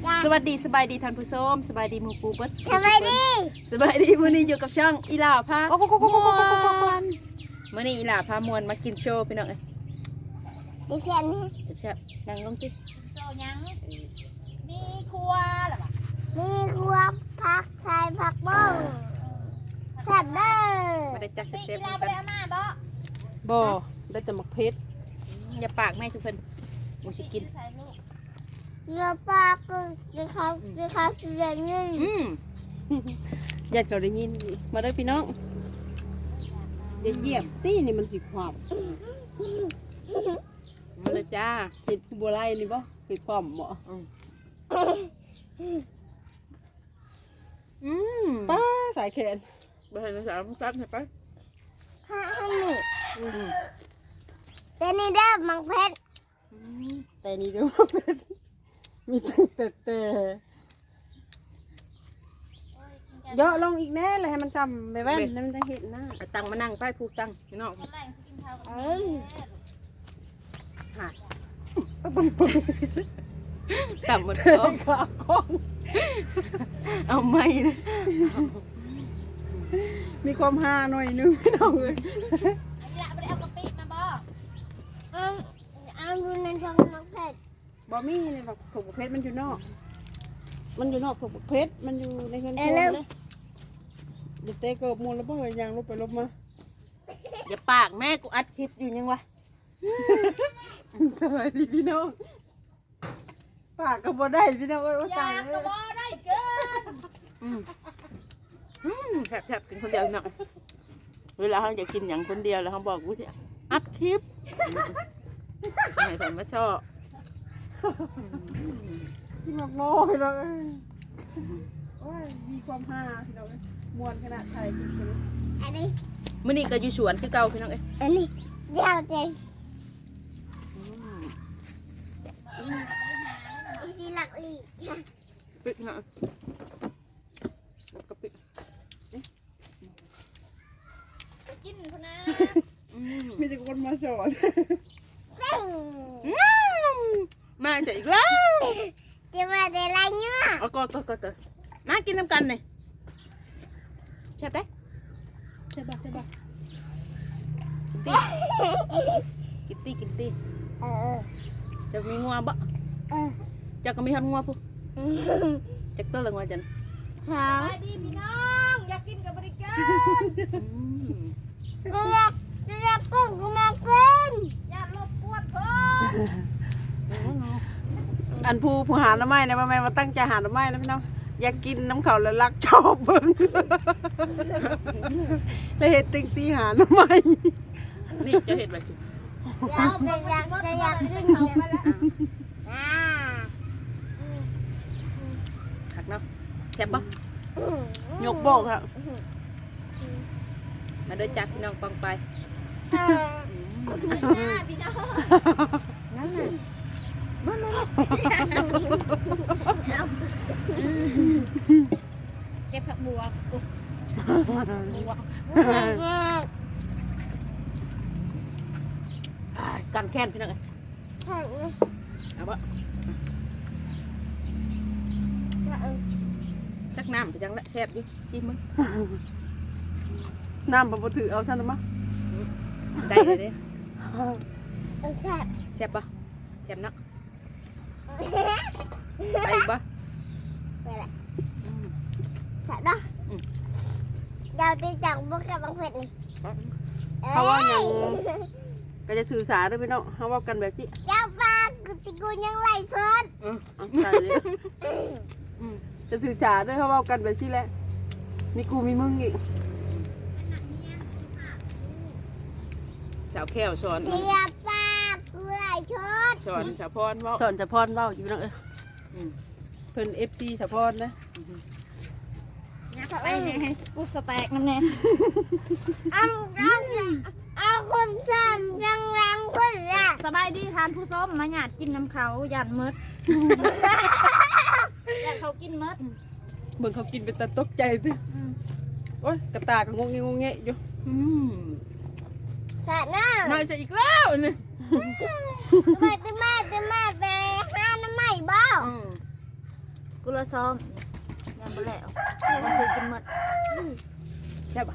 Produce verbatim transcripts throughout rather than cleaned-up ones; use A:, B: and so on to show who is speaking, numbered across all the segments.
A: สวัสดีสบายดีท่านผู้ชมสบายดีหมูปูเบิร์ด
B: สบายดี
A: สบายดีมื้อนี้อยู่กับช่องอีหล่าพา
B: โอ้โหโอ้โหโอ้โหโอ้โหโอ้โห
A: มื้อนี้อีหล่าพามวนมากินโชว์พี่น้องเอ้ย
B: ดิฉันนี่
A: แซ่บๆนั่งลงสิ
C: โซยังมีครัวหรอปะ
B: มีครัวผักใส่ผักบ้งแซ่บเด้อ
A: มาได้จัด
C: พี่
A: แซ่
C: กี
A: บๆ
C: ฬา
A: กัน
C: ไปเอามาบ่
D: บ่ได้แต่หมักเพชร
A: อย่าปากแม่ทุกคนหมูสิกิน
C: ใส่ลูก
B: เนื้อปลาก็จะเขาจะเขาเสียเงิน
A: อืม
D: ญาติเขาได้ยินมาได้อพี่น้องอย่าเหยียบตี้นี่มันสิความ
A: มาเลยจ้า
D: เห็ดบัวไล่นี่บ่เห็ดความบ่
A: อืมอืม
D: ป้าสายแขน
A: บ่ให้ภาษาจัดให้ไป
B: ห้าห้าหนึ่ง
A: อืม
B: เดี๋ยวนี้เด้อมังเพชร
A: อืม
D: แต่นี่ดูว่าเป็นมีตั้งแต่แต่เยอะลงอีกแน่เลยให้มันจำไปแว่นให้มันจะเห็นหน้า
A: เอาตังมานั่งไปผูกตังพี่น้อง
C: กำลังสิกินข้าวกับ
B: เอ้ย
A: หาต่ำหมดท้อง
D: ขาข้อง
A: เอาไม่นะ
D: มีความฮาหน่อยนึงพี่น้องเลย
C: กีฬาไปเอากะปิมาบ่
B: เอาเอาดูในช่องมังเพชร
D: บ่มีเลยแบบถูกเพชรมันอยู่นอก มันอยู่นอกถูกเพชรมันอยู่ในเงินทองเลยเดี๋ยวเตะเกิบมูลแล้วบ่เฮยยางลบไปลบมา
A: อย่าปากแม่กูอัดคลิปอยู่ยังวะ
D: สวัสดีพี่น้องปากก็บ่ได้พี่น้องเอ้ยว่าตาย
C: อยาก
D: เล
C: ก็
D: ย
C: บ่ได้เกิน
A: อืมอืมแทบๆกินคนเดียวหน่อยเวลาเขาจะกินอย่างคนเดียวแล้วเขาบอกกูสิอัดคลิปให้ผมมาชอบ
D: พี่น้องโง่พี่น้องเอ้ยโอ้ยมีความฮาพี่น้องเอ้ยมวนขนาดไทยจริง
B: อันนี้
A: มื่อนี้ก็อยู่สวนคือเก่าพี่น้องเอ้ย
B: อันนี้เดี๋ยวเดี๋ยว
A: อืม
B: อีสิหลักอีก
A: ปิดหน่อยแล้วก็ปิด
C: กินพุ่นนะ
A: อืม
D: ๆมีแต่คนมาสอน
B: เป้ง
A: อืมมาจะอีกแล้ว
B: จะมาได้ไรเนื้อ
A: เอาก็ก็ก็ก็มากินน้ำกันเลยใช่ไหม
D: ใช่ปะใช่ปะ
A: กินตีกินตี
B: เออ
A: จะมีงัวบ่
B: เออ
A: จะก็มีหันงัวผู้จะตัวละงัวจัน
B: สอ
C: ส
B: ง
C: บายดีพี่น้องอยากกินกับบริการ
A: อืม
B: เรียกเรียกกุ้งกูมากิน
C: อย่ารบกวนคน
D: อันผู้ผู้หาหน้ำไม้นะแม่มาตั้งใจหาหน้ำไม้นะพี่น้องอยากกินน้ำเขาแล้วรักชอบเบิ่งเลยเห็ดติงตีหาหน้ำไม้
A: นี่จะเห็นแบบ
B: อยากจะอยากจะอยากกิน
C: เขาไปแล้ว
B: อ่า
A: ขักเนาะแซ่บบ่
D: ยกบอกครับ
A: มาเดินจับพี่น้องปังไป
C: หน้าพี่น้อง
A: นั่นน่ะมามา
C: เก็บผักบัวกู
A: กันแค้นพี่น้องเอ้ย
B: ใช่ไหม
A: เอาบ่จักน้ำไปจังละแซ่บอยู่ชิมมึง
D: น้ำปะปถือเอาฉันมา
A: ได้เลยเด้
B: แซ่บ
A: แซ่บบ่แซ่บเนาะไปอีกบ่
B: ไปละแซ่บเนาะเดี๋ยวตีจากบุกกับบางเผ็ดนี่
D: เขาว่ายังก็จะถือสาด้วยพี่น้องเขาว่ากันแบบที่
B: เจ้าปลากูติกูยังไหลชน
A: อืม
D: เอาใจเลยอืมจะถือสาด้วยเขาว่ากันแบบที่แหละมีกูมีมึงอีก
A: สาวแก้วสอน
B: เจ้าปลากูไหลชน
A: สอนสาวพรเว้า
D: สอนสะพอนเว้าอยู่พี่น้องเอ้ย
A: อืม
D: เพิ่นเอฟซีสะพอนนะ
C: ไปให้กูสแต็กน้ำแน่
B: เอาเอาเอาคนสั่นยังรังคนละ
C: สบายดีทานผู้ส้มมาหยาดกินน้ำเขาหยาดมดหยาดเขากินมด
D: เบิ่งเขากินเป็นตาตกใจสิโอ้ยกระตากก็งงเงงงเงะอยู่
A: อืม
B: สะน้า
A: น้อยจะอีกแล้วนี่
B: ทำไมจะมาจะมาไปห้าน้ำใหม่บ้า
A: อืม
C: กุละซ้อมยังบ่แล้วมันจะกินหมด
A: ใช่ปะ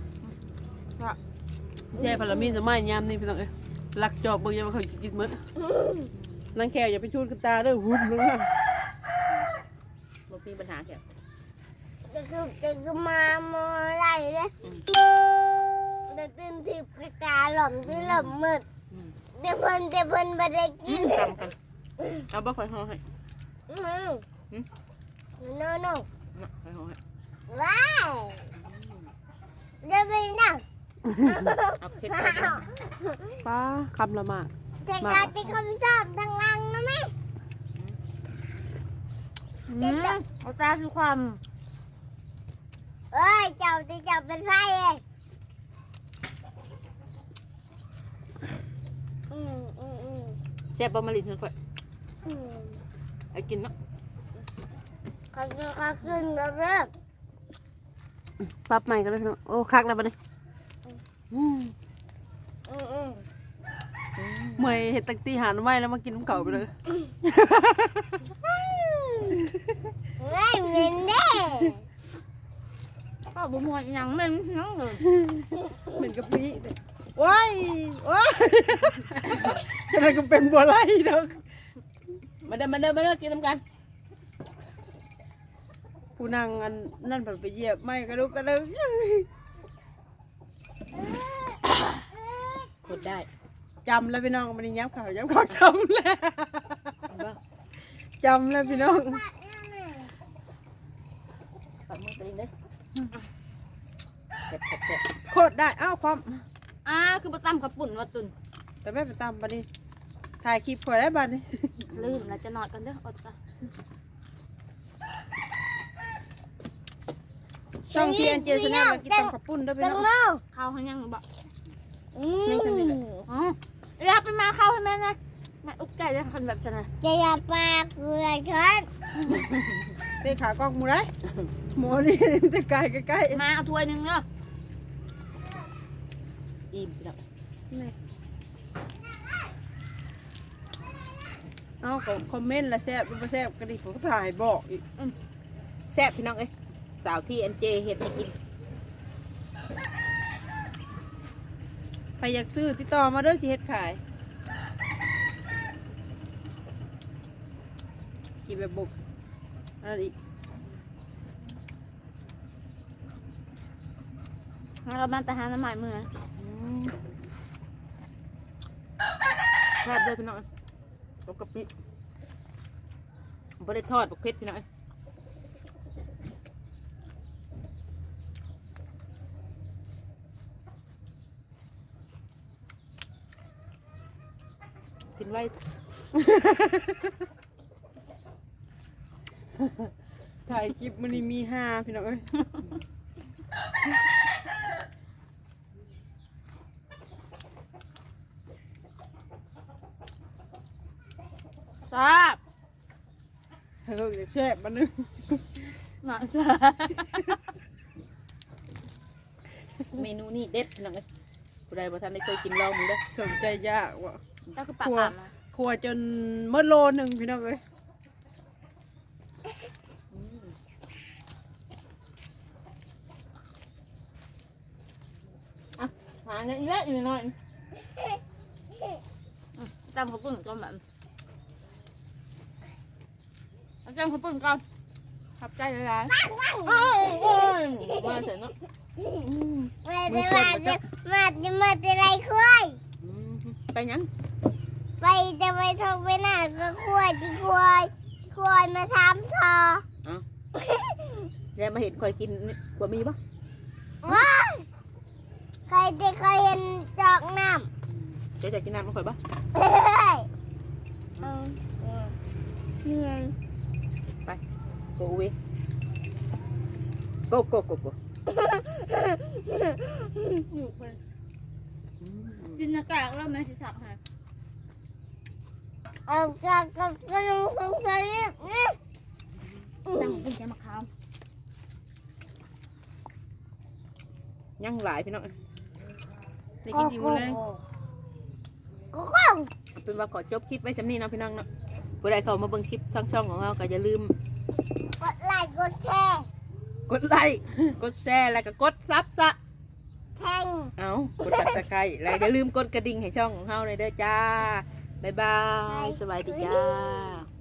D: แย่พลามีนจะไม่ยามนี่พี่น้องเอ้ยลักจอบเบิ่งยังเขากินหมดนางแขวอย่าไปชูดกับตาเด้อหุ่นลงมา
A: บ่มีปัญหาแค่
B: จะคือจะคือมาโมอะไรเลยจะตื่นทิพย์กระตาหล่อมที่หล่อมมืดเดี๋ยวเพิ่นเดี๋ยวเพิ่นไม่ได้กิน
A: จำกันเอาบ่ค่อยห่อให้
B: อืมโน่โน่
A: น่ะค่อยห่อให้
B: ว้าวจะไปนั่ง
A: เอาเผ็ดไปก่อน
D: ป้าคำละมาก
B: แต่การที่เขาไม่ชอบทางล่างนะแม่
C: อืมเอาซาคือความ
B: เอ้ยเจ้าที่เจ้าเป็นไฟเองอืมอืมอืม
A: แซ่บบ่มาลินเพิ่นค่อย
B: อืม
A: ไอ้กินเนาะ
B: เขาคือเขาขึ้นแล้วเด้อ
D: ปรับใหม่กันเลยพี่น้องโอ้คักแล้วบัดนี้อืม
B: อืมอืม
D: เมื่อยเห็ดตักตีหาหน่อไม้แล้วมากินน้ำเก่าไปเลย
B: เฮ้ยเหม็นเด้
C: ก็บ่ม่วนอีหยังแม่นน้องเลย
D: เหม็นกะปิว้ายว้ายอะไรก็เป็นบัวไล่ดอก
A: มาเด้อมาเด้อมาเด้อกินน้ำกัน
D: ผู้นางอันนั่นเพิ่นไปเหยียบไม้กระดุกกระดึก
A: กดได้
D: จำแล้วพี่น้องมันย้ำข่าวย้ำข่าวจำแล้ว
A: เอาบ่
D: จำแล้วพี่น้อง
A: ปัดมือตัวเองเด้อแซ่บแซ่บแซ่บ
D: โคตรได้อ้าวความ
C: อ่าคือบ่ตำกับปุ่นว่าตุน
D: แต่แม่ไปตามบัดนี้ถ่ายคลิปข่อยได้บัดนี้
C: ลืมแล้วจะนอนกันเด้ออดจ้ะ
D: ช่องที่อันเจสแนลมากินตำข้าวปุ้นได้อพี่
B: จัง
D: น้อง
B: เนาะ
C: ข้าวให้ยังบ่
B: อืม
C: อ๋ออยากไปมาข้าวให้แม่นะแม่อุกไก่จะคนแบบจะนะ
B: จะอย่าปากเกลือฉัน
D: เตะขากล้องหมูได้หมูนี่แต่ไกลใกล้
C: มาเอาถ้วยหนึงเด้อ
A: อิ่มพี่น้อง
D: ๆนี่เอาก็คอมเมนต์ละแซ่บหรือบ่แซ่บก็ดิผมก็ถ่ายบอกอีก
A: แซ่บพี่น้องเอ้ยสาวที่อันเจเฮ็ดให้กิน
D: ใครอยากซื้อติดต่อมาเด้อสิเฮ็ดขายกินแบบบุกอะไรอีก
C: งั้นเรามาแต่หาน้ำใหม่มือ
A: แซ่บเลยพี่น้องตกกะปิบ่ได้ทอดบักเผ็ดพี่น้องกินไว้
D: ถ่ายคลิปมันนี่มีห้าพี่น้องเอ้ย
C: ทราบ
D: เฮ้ยแซ่บมันนึง
C: หน่อยทราบ
A: เมนูนี้เด็ดพี่น้องเอ้ยผู้ใดบ่ทันได้เคยกินลองมึงเด้อ
D: สนใจยากว่ะ
C: เจ้าคือปากอ่านนะ
D: ครัวจนเมื่อโลหนึ่งพี่น้องเอ้ย
A: อ่ะหาเงินเยอะอยู่หน่อย
C: จำข้าวปุ้นก่อนแบบเอาจำข้าวปุ้นก่อนขอบใจหลาย
A: โอ้ยโอ้ยมาเถอะเนาะ
B: มาจะมาจะมาจะมาจะไรคุย
A: อืมไปหยัง
B: ไปจะไปทองไปหน้าก็คุยที่คุยคุยมาทำทอ
A: เอ้าแล้วมาเห็นคอยกินนี่กว่ามีปะ
B: ว้ายใครจะเคยเห็นจอกน้
A: เจ๊จะกินน้ำมาคอยปะ
B: ำเฮ้ยเอาเหนื่อย
A: ไปโกเวโกโกโกโก
C: ๆอยู่คนจินตนาการแล้วแม่สิสับให้
B: เอากระกระกระลุงสงสัยนี่
C: ตั้งเป็นแกมะขาม
A: ยังหลายพี่น้อง
D: ได้กินอิ่มเลย
B: ก็คง
A: เป็นว่าขอจบคลิปไว้สำนี้เนาะพี่น้องเนาะผู้ใดเข้ามาเบิ่งคลิปช่องๆของเราก็อย่าลืม
B: กดไลดแชร์
A: กดไลค์กดแชร์แล้วก็กดซับซะ
B: แข่ง
A: เอากดซับสไครต์แล้วอย่าลืมกดกระดิ่งให้ช่องของเฮาเลยเด้อจ้าบ๊ายบายสวัสดีจ้า